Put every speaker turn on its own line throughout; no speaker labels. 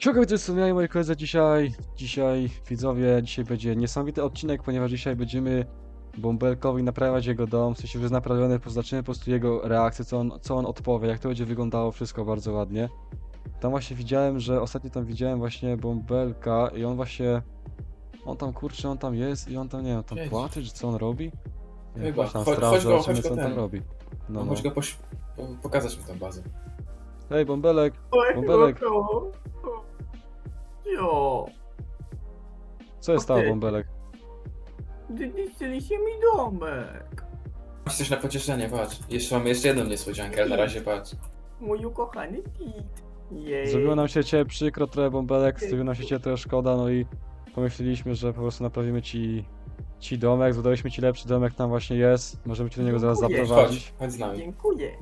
Siłkę to są ja i moi koledzy dzisiaj widzowie, dzisiaj będzie niesamowity odcinek, ponieważ dzisiaj będziemy Bąbelkowi naprawiać jego dom, w sensie już jest naprawiony, zobaczymy po prostu jego reakcję, co on odpowie, jak to będzie wyglądało wszystko bardzo ładnie. Tam właśnie widziałem, że ostatnio tam widziałem właśnie Bąbelka i on właśnie, on tam kurczę, on tam jest i on tam, nie wiem, tam
Jedź.
płacze, czy co on robi? Nie wiem,
Chyba.
tam
Chodź
sprawdzę,
go
zobaczymy, co on tam
ten.
robi. No.
Chodź go pokazać mi tę bazę.
Hej Bąbelek, Bąbelek,
Jo,
co jest stało
Okej.
Bąbelek?
zniszczyliście mi domek.
Masz coś na pocieszenie, patrz. Mamy jeszcze jedną niespodziankę, ale na razie patrz.
Mój ukochany Kit. Jej.
Zrobiło nam się cię przykro trochę Bąbelek, zrobiło nam się cię trochę szkoda, no i pomyśleliśmy, że po prostu naprawimy ci domek, dodaliśmy ci lepszy domek, tam właśnie jest, możemy cię do niego zaraz
Dziękuję.
zaprowadzić.
Chodź z nami.
Dziękuję.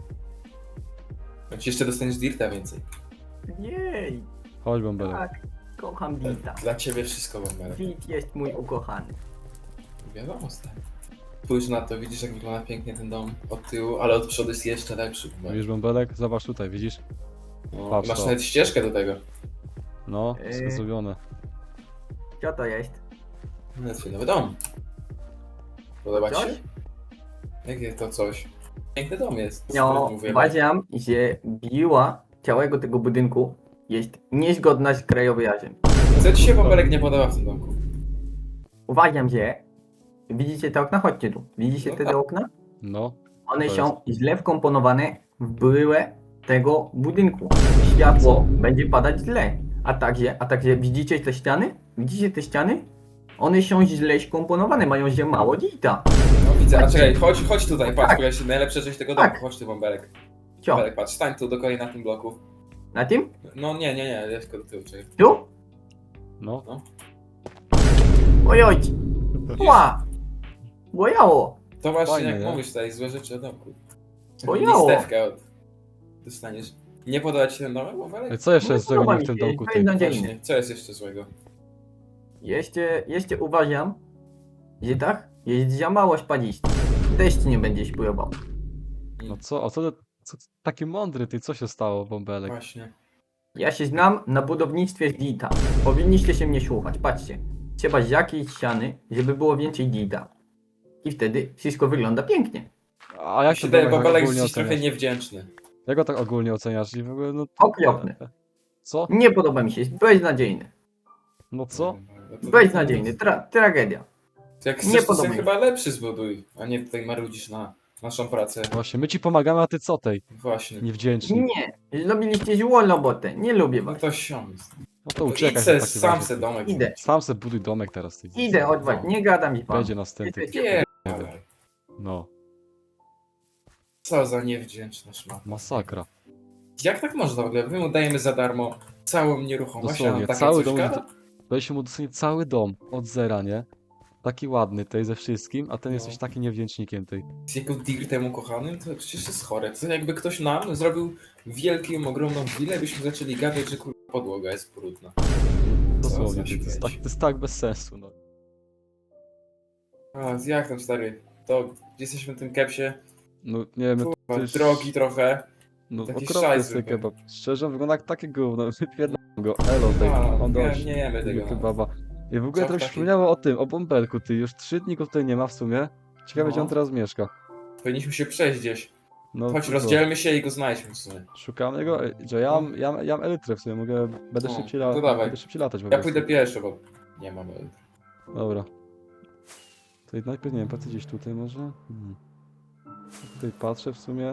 Choć jeszcze dostaniesz dirta więcej.
Jej.
Chodź Bąbelek.
Tak, kocham Dita.
Dla ciebie wszystko, Bąbelek.
Dit jest mój ukochany.
Wiadomo, stary. Spójrz na to, widzisz jak wygląda pięknie ten dom od tyłu, ale od przodu jest jeszcze lepszy. Bąbelek.
Widzisz Bąbelek? Zobacz tutaj, widzisz?
No,
patrz
masz
to.
nawet ścieżkę do tego.
No, wszystko zrobione.
Co to jest?
No, twój nowy dom. Podoba ci
Coś?
się? Jakie to coś? Piękny dom jest.
No,
Skoro mówię.
uważam, że biła całego tego budynku jest niezgodna z krajobrazem.
Co ci się, Bąbelek, nie podoba w tym domku?
Uważam, że widzicie te okna? Chodźcie tu. Widzicie
No
te
tak.
okna?
No,
One
To
są źle wkomponowane w bryłę tego budynku. Światło będzie padać źle. A także widzicie te ściany? Widzicie te ściany? One są źle skomponowane, mają się mało dita.
No widzę, a
Patrzcie.
czekaj, chodź tutaj, patrz,
Tak.
tu jest najlepsza część tego domu.
Tak.
Chodź tu, Bąbelek.
Co?
Bąbelek, patrz, stań tu dokładnie na tym bloku.
Na tym?
No nie, tylko do tyłu, czekaj.
Tu?
no.
Oj, oj. Ła! Bojało.
To właśnie
Fajnie,
jak
nie?
mówisz tutaj, złe rzeczy o domku.
Bojało.
Listewkę dostaniesz. Nie podoba ci się ten domek, Bąbelek?
Ej, co jeszcze
No,
jest złego
podoba
w
mi
tym
się,
domku,
to
ty?
jest nadziejny.
Właśnie, co jest jeszcze złego?
Jeszcze uważam, że tak jest za mało spadzisty. Deszcz nie będzie spływał.
No co, a co taki mądry ty, co się stało Bąbelek?
Właśnie.
Ja się znam na budownictwie z dita. Powinniście się mnie słuchać. Patrzcie. Trzeba z jakiejś ściany, żeby było więcej dita. I wtedy wszystko wygląda pięknie.
A jak
się
się
wydaje,
domek tak
Bąbelek
ogólnie
jesteś trochę
oceniasz?
niewdzięczny.
Jak go tak ogólnie oceniasz? I w ogóle, no...
Okropny.
Co?
Nie podoba mi się, jest beznadziejny.
No co?
No to-
Beznadziejny, tragedia.
Jak
Nie
chcesz, to
podoba
sobie
mi się.
chyba lepszy zbuduj, a nie tutaj marudzisz na naszą pracę.
Właśnie, my ci pomagamy, a ty co tej?
Właśnie.
Niewdzięczny.
Nie, zrobiliście złą robotę, nie lubię
No
was.
to siom.
No to uciekaj.
Idź se,
na taki
sam
razie,
se
ty.
domek.
Idę,
Sam se buduj domek teraz, ty.
idę odwać, nie gadam z wami.
Będzie następny.
Nie,
No,
co za niewdzięczna szmata.
masakra.
Jak tak można w ogóle? My mu dajemy za darmo całą nieruchomość, a
Dosłownie,
on takie
cały
coś
dom,
gada?
daliśmy mu dosłownie cały dom od zera, nie? Taki ładny tej ze wszystkim, a ten
No.
jesteś taki niewdzięcznikiem tej.
Z jego dirtem ukochanym, to przecież jest chore. To jakby ktoś nam zrobił wielką, ogromną willę, byśmy zaczęli gadać, że kurwa podłoga jest brudna.
Dosłownie,
za
ty, to, jest
śmieć.
tak, to jest tak bez sensu, no.
A jak tam stary? To jesteśmy w tym kepsie,
No nie wiem, to
kurwa,
jest...
drogi trochę.
No
taki
okropny
szajs
jest ten
zwykły.
kebab. Szczerze, wygląda jak takie gówno, wypierdam go. Elo tej,
A,
on
nie,
dość.
nie jemy tego.
Kebaba. I w ogóle
Co
trochę
taki?
przypomniało o tym, o Bąbelku, ty. Już 3 dni go tutaj nie ma w sumie. Ciekawe,
No.
gdzie on teraz mieszka.
Powinniśmy się przejść gdzieś.
No,
Chodź,
to
rozdzielmy się i go znajdźmy w sumie.
Szukamy go, że ja mam elytrę w sumie, będę
No,
szybciej,
to dawaj.
będę szybciej latać po
Ja
prostu.
pójdę pierwszy, bo nie mam.
Dobra. To najpierw, nie wiem, patrzę gdzieś tutaj może? Tutaj patrzę w sumie.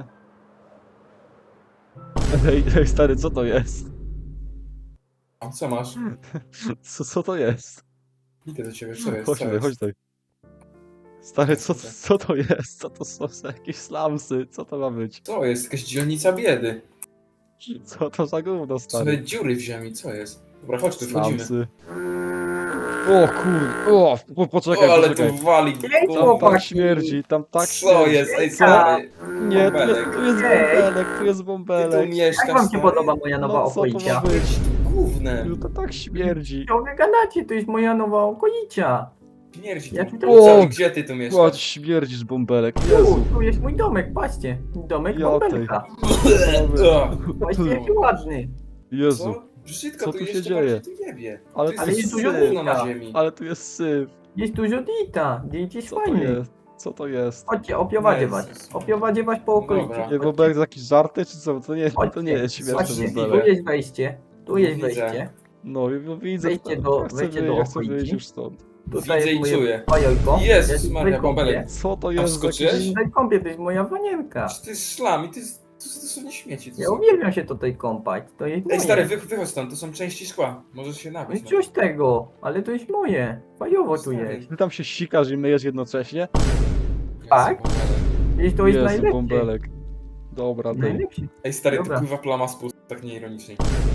Ej, stary, co to jest?
A co masz?
Co to jest?
Idę do ciebie, co jest?
Chodź
Co
tutaj,
jest?
chodź tutaj. Stary, co to jest? Co to są za jakieś slamsy? Co to ma być?
Co jest? Jakaś dzielnica biedy.
Co to za gówno,
Same
stary?
dziury w ziemi, co jest? Dobra, chodź tu, wchodzimy.
Slamsy. O poczekaj,
O, ale
poczekaj.
tu wali.
Ej,
Tam tak
chłopaki.
śmierdzi, tam tak
Co
śmierdzi.
jest? Ej,
Co?
stary.
Nie,
Bąbelek.
tu jest bąbelek, tu jest
Ty tu
bąbelek.
mieszkasz,
Jak wam się
stary?
podoba moja nowa
No co to ma
okolica?
być?
Gównem.
No to tak śmierdzi.
Co wy gadacie, to jest moja nowa okolica.
Śmierdzi
Ja
tu.
tutaj-
Co?
O,
Gdzie ty tu
Chodź,
mieszkasz?
śmierdzisz bąbelek, Jezu.
Tu jest mój domek, patrzcie. Domek
Ja
bąbelka.
O,
Patrzcie jaki ładny.
Jezu.
Co? Brzydko
Co
tu
tu się
jeszcze
dzieje?
bardziej tu jebie.
Ale
Tu
ale
jest
jest
dużo
syf.
gówno na ziemi.
Ale tu jest syf.
Jest dużo dita, dit jest
Co to
fajny.
jest? Co to jest?
Chodźcie, oprowadzę was.
Jezus.
Oprowadzę was po okolicy.
Dobra.
Nie, Bobelek za jakieś żarty, czy co? To nie jest
Chodźcie,
śmieszne,
chodźcie,
Bobelek.
tu jest wejście, tu jest
Widzę.
wejście.
No, widzę.
Wejdźcie
to.
wejdźcie do
Ja chcę
okolicy.
wyjść już stąd.
Tutaj
Widzę
jest
i
moje
czuję.
fajojko.
Jezus
Ja
Maria,
tutaj kąpię.
Bąbelek.
Co to
A
jest za
wskoczyłeś?
jakiś...
Tutaj kąpię, to jest moja wanienka.
To jest szlam i to jest dosłownie śmieci. To
Ja
są.
uwielbiam się tutaj kąpać, to jest moje.
Ej stary, wychodź stąd, to są części szkła. Możesz się
No
napić.
i coś tego, ale to jest moje. Fajowo tu
Stary.
jest.
Ty tam się sikasz i myjesz jednocześnie?
Tak? I to jest
Jezu,
najlepsze.
Bąbelek. Dobra, ty.
Najlepszy.
Ej stary,
Dobra.
tu pływa plama z pust, tak nieironicznie.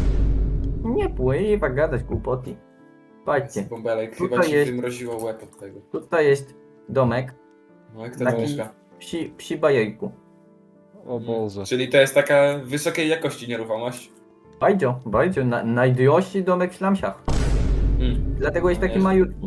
Nie pływa, gadać głupoty. Patrzcie,
Bąbelek,
Tutaj
chyba ci
jest-
wymroziło łeb od tego.
tutaj jest domek
No jak to
Taki-
mieszka.
psi bajejku.
O Boże.
Czyli to jest taka wysokiej jakości nieruchomość.
Bardzo, najdroższy domek w Ślamsiach. Dlatego jest
No
taki
nie.
malutki.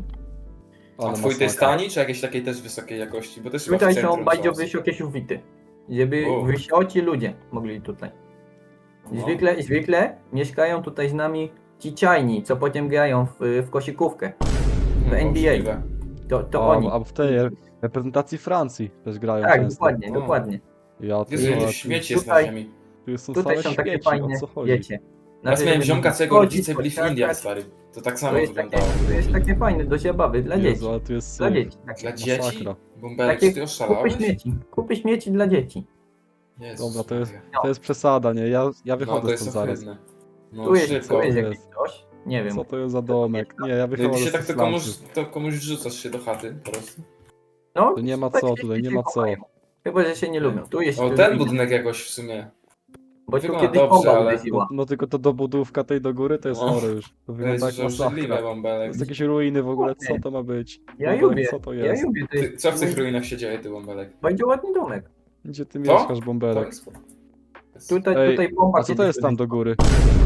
A
Ale
twój to jest
masakra.
tani, czy jakiejś takiej też wysokiej jakości? Bo też chyba w
Tutaj są
centrum
bardzo
są.
wysokie sufity. Żeby
O.
wysoci ludzie mogli tutaj.
No.
Zwykle mieszkają tutaj z nami ci czajni, co potem grają w koszykówkę.
No,
NBA.
możliwe.
To
A,
oni.
a w tej reprezentacji Francji też grają
Tak,
często.
dokładnie,
O.
dokładnie.
Ja
Jezu,
tu,
ile śmieci jest na
Tutaj-
ziemi.
tu są
Tutaj
same
są takie
śmieci,
fajne,
o co chodzi?
wiecie.
Raz miałem
żeby
ziomka, co jego
chodzić,
rodzice byli w
podskakać.
Indiach, stary. To tak samo
To jest, takie,
wyglądało.
to jest takie fajne do zabawy dla dzieci.
Jezu, ale tu jest
Dla
syf.
dzieci.
Dla dzieci?
Masakra.
Bąbelek,
Takie
czy ty oszalałeś?
Kupy śmieci dla dzieci.
Jezus
Dobra, to jest-
Maria.
To jest przesada, nie? Ja
No
wychodzę
to jest
stąd zaraz.
ohydne. No
Tu jest,
szybko.
tu jest
jest.
jakiś coś. Nie wiem.
Co to jest za domek? Nie, ja
No
wychodzę
i się
z
tak
tych
to komuś wrzucasz się do chaty po prostu.
No,
Tu nie ma
tak
co,
się
tutaj nie
dzieci
ma co.
kochają. Chyba, że się nie lubią. Tu jest
O, ten budynek jakoś w sumie.
Bo tu
wygląda
kiedyś
dobrze,
bomba
ale-
uderzyła.
No tylko to dobudówka tej do góry to jest
No.
chore już. To
To
wygląda
jest
jak
już obrzydliwe,
masakra. To
Bąbelek.
jest jakieś ruiny w ogóle, co to ma być?
Ja
Bąbelek,
lubię,
co to
ja
jest?
lubię. To
Ty,
jest
co w tych ruinach się dzieje, ty Bąbelek?
bardzo ładny domek.
Gdzie ty
Co?
mieszkasz,
To
Bąbelek?
jest...
Tutaj bomba
A co to
kiedyś
jest tam do
uderzyła.
góry?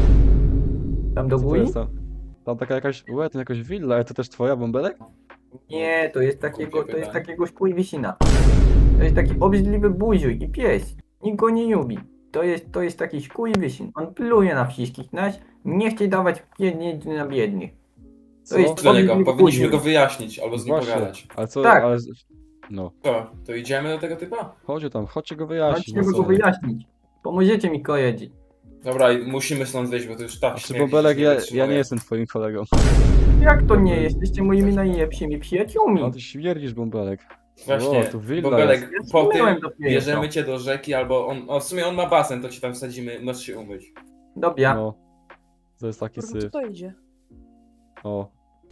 Tam do
Co to
góry?
jest tam? Tam taka jakaś, to jakaś willa, ale to też twoja, Bąbelek?
Nie, to jest takiego,
Głupie
to jest
pytanie.
takiego szkójwisina. To jest taki obrzydliwy buziuj i pies. Nikt go nie lubi. To jest taki szkójwisin. On pluje na wszystkich nas. Nie chce dawać pieniędzy na biednych.
Co?
jest-
Dla niego,
Obrzydliwy
powinniśmy
buziuj.
go wyjaśnić albo z nim
Właśnie,
pogadać.
ale co,
Tak.
ale... No,
Co, to idziemy do tego typa?
chodźcie go wyjaśnić.
Chodźcie
no
go
co?
wyjaśnić. Pomożecie mi kojedzić.
Dobra, i musimy stąd wyjść, bo to już tak
Znaczy,
śmierdzi,
Bąbelek,
że
ja nie
wytrzymuję.
jestem twoim kolegą.
Jak to nie? Jesteście moimi najlepszymi przyjaciółmi.
No ty śmierdzisz, Bąbelek.
Właśnie,
O, tu willa
Bąbelek,
jest. Ja
po tym
zmyłem dopiero.
bierzemy cię do rzeki albo on, w sumie on ma basen, to cię tam wsadzimy, możesz się umyć.
Dobra.
No. To jest taki
Kurwa, co
syf.
to idzie?
O.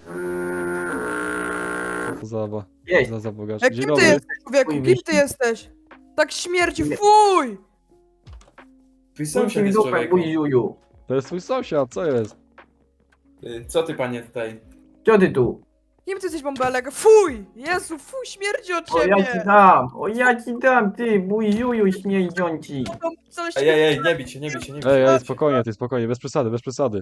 Co to
Jest.
za bogacz.
Ej,
Dzień
kim ty
dobry.
jesteś, człowieku? Kim ty jesteś? Tak śmierci, fuj!
Twój
Co
sąsiad
mi
jest
dupę,
człowieku.
buziuju?
To jest twój sąsiad, co jest?
Co ty panie tutaj?
Co ty tu?
Kim ty jesteś, bąbelek? Fuj! Jezu, fuj, śmierdzi od
O ja ci
ciebie!
dam! O ja ci dam, ty buziuju śmierdząci!
Tam coś
Ej, nie bić się, nie bić się, nie bić się.
Ej, spokojnie, spokojnie, bez przesady, bez przesady.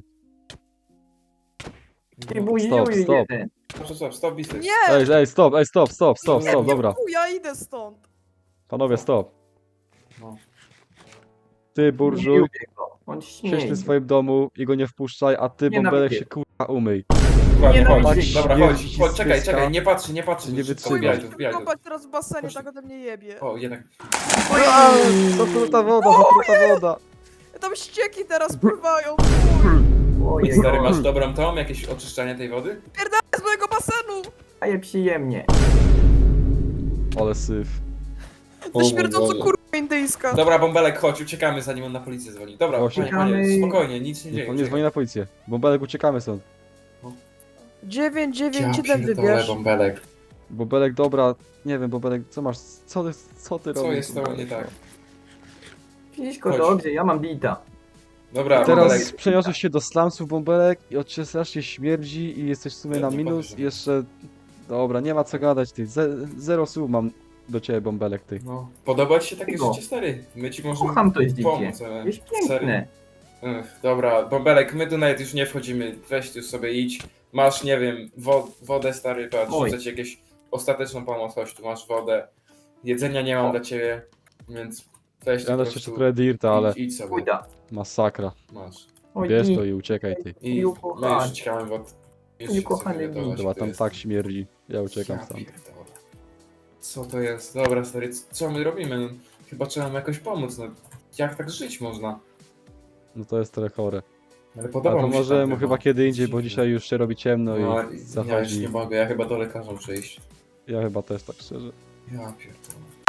Ty buziuju
stop.
jeden!
Stop, bisy.
Nie!
Stop, dobra.
Fuj, ja idę stąd!
Panowie, stop.
No.
Ty, burżuj,
Buziuję go. On
siedź
śmierdzi.
w swoim domu i go nie wpuszczaj, a ty,
Nienawidzę.
Bąbelek, się kurwa umyj.
Dokładnie,
Nie, no,
chodź.
tak
Dobra,
śmierdzi
chodź,
ci
czekaj,
spyska.
czekaj, nie patrz,
Nie
szybko,
wytrzymaj.
wbijaj tu, wbijaj tu.
Kąpać teraz w basenie,
Chodź.
tak ode mnie jebie.
O, jednak.
Zatruta woda.
Tam ścieki teraz pływają, fuj!
Ojej,
Stary, masz dobrą tą, jakieś oczyszczanie tej wody?
Z mojego basenu!
daje przyjemnie.
Ale syf.
To śmierdząco kurwa indyjska.
Dobra, Bąbelek, chodź, uciekamy zanim on na policję dzwoni. Dobra,
Właśnie.
panie, spokojnie, nic się nie dzieje.
On nie dzwoni na policję. Bąbelek, uciekamy stąd.
997
Ja pierdolę,
wybierz.
Bąbelek.
Bąbelek, dobra, nie wiem, Bąbelek, co ty robisz?
Co jest z tobą
Bąbelek?
nie tak?
Wszystko
Chodź.
dobrze, ja mam bita.
Dobra,
Teraz
Bąbelek.
przeniosłeś się do slumsów, Bąbelek, i od ciebie strasznie śmierdzi i jesteś w sumie na
Nie
minus
powiem.
i jeszcze... Dobra, nie ma co gadać, ty. Zero słów mam do ciebie, Bąbelek, ty.
No, podoba ci się takie
Tego.
życie, stary? My ci możemy
Kocham to życie.
pomóc, ale...
Jest
Serio.
piękne.
Dobra, Bąbelek, my tu nawet już nie wchodzimy, weź tu sobie idź. Masz, nie wiem, wodę, stary, patrz,
Oj.
rzucę ci jakieś ostateczną pomoc, chodź, tu masz wodę. Jedzenia nie mam
O.
dla ciebie, więc weź tu
Ja
po
też jeszcze
prostu
trochę dirta, ale
idź sobie,
Pójda.
masakra.
masz.
Oj,
Bierz
nie.
to i uciekaj ty.
I
Ju,
my
kochany.
już uciekamy, bo...
Ju, kochany,
Dobra, tam tak śmierdzi. Ja uciekam stąd.
Pierdolę. Co to jest? Dobra, stary, co my robimy? No, chyba trzeba mu jakoś pomóc, no. Jak tak żyć można?
No to jest trochę chore.
Ale
A
podoba
to
mi się
może
tam
mu chyba
chyba.
kiedy indziej, bo
Dziwne.
dzisiaj już się robi ciemno
No,
i
ja już
zachodzi.
nie mogę, ja chyba do lekarza muszę iść.
Ja chyba też tak szczerze.
Ja pierdolę.